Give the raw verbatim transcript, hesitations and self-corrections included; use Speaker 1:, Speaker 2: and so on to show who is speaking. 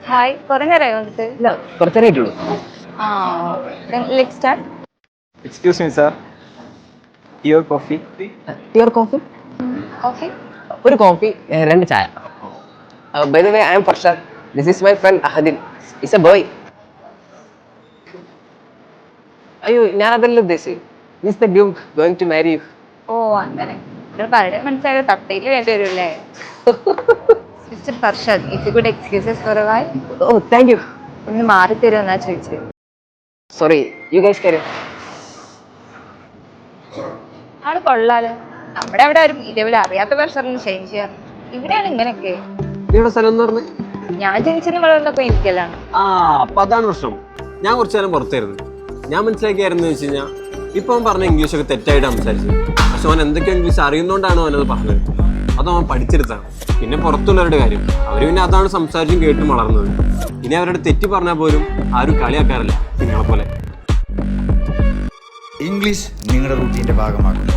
Speaker 1: Hi കുറെ നേരമായി വന്നിട്ട്
Speaker 2: ഇല്ല കുറച്ച് നേരമായിട്ടുള്ളൂ.
Speaker 1: ആ let start.
Speaker 3: Excuse me, sir. Your coffee?
Speaker 2: ടിയർ കോഫി,
Speaker 1: കോഫി
Speaker 2: ഒരു കോഫി, രണ്ട് ചായ. By the way I am Farshad. This is my friend Ahadin. Is a boy. അയ്യോ ഞാൻ അതല്ല ഉദ്ദേശിച്ചത്. Is the groom going to marry you.
Speaker 1: ഓ അങ്ങനെ നിങ്ങൾ പറയുന്നത് മനസ്സിലായത് തട്ടയിൽ വേണ്ടി വരുമല്ലേ? Mister Farshad, if you good excuse us for a while.
Speaker 2: ഓ താങ്ക് യു.
Speaker 1: ഒന്ന് മാറി തരുമെന്നാ ചോദിച്ചത്.
Speaker 2: സോറി യു ഗൈസ് കാരി.
Speaker 1: ആള് കൊള്ളാലോ. നമ്മുടെ അവിടെ ആരും ഇതേപോലെ അറിയാത്ത പേർസറിന് ചേഞ്ച് ചെയ്യാറ്. ഇവിടെയാണ് ഇങ്ങനെയൊക്കെ.
Speaker 4: നിങ്ങളുടെ സ്ഥലം എന്ന് പറഞ്ഞ്
Speaker 1: ഞാൻ ജനിച്ചതിന് വളർന്നപ്പോ ഇരിക്കലാണ്.
Speaker 4: ആ അപ്പൊ അതാണ് പ്രശ്നം. ഞാൻ കുറച്ചു നേരം പുറത്തായിരുന്നു. ഞാൻ മനസ്സിലാക്കിയായിരുന്നു വെച്ച് കഴിഞ്ഞാൽ ഇപ്പൊ അവൻ പറഞ്ഞ ഇംഗ്ലീഷ് ഒക്കെ തെറ്റായിട്ട് സംസാരിച്ചത്. പക്ഷെ അവൻ എന്തൊക്കെ ഇംഗ്ലീഷ് അറിയുന്നോണ്ടാണ് അവനത് പറഞ്ഞത്. അത് അവൻ പഠിച്ചെടുത്താണ്. പിന്നെ പുറത്തുള്ളവരുടെ കാര്യം, അവര് പിന്നെ അതാണ് സംസാരിച്ചും കേട്ടും വളർന്നത്. ഇനി അവരുടെ തെറ്റി പറഞ്ഞാൽ പോലും ആരും കളിയാക്കാറില്ല നിങ്ങളെ പോലെ.
Speaker 5: ഇംഗ്ലീഷ് നിങ്ങളുടെ റൂട്ടീൻ്റെ ഭാഗമാകുന്നു.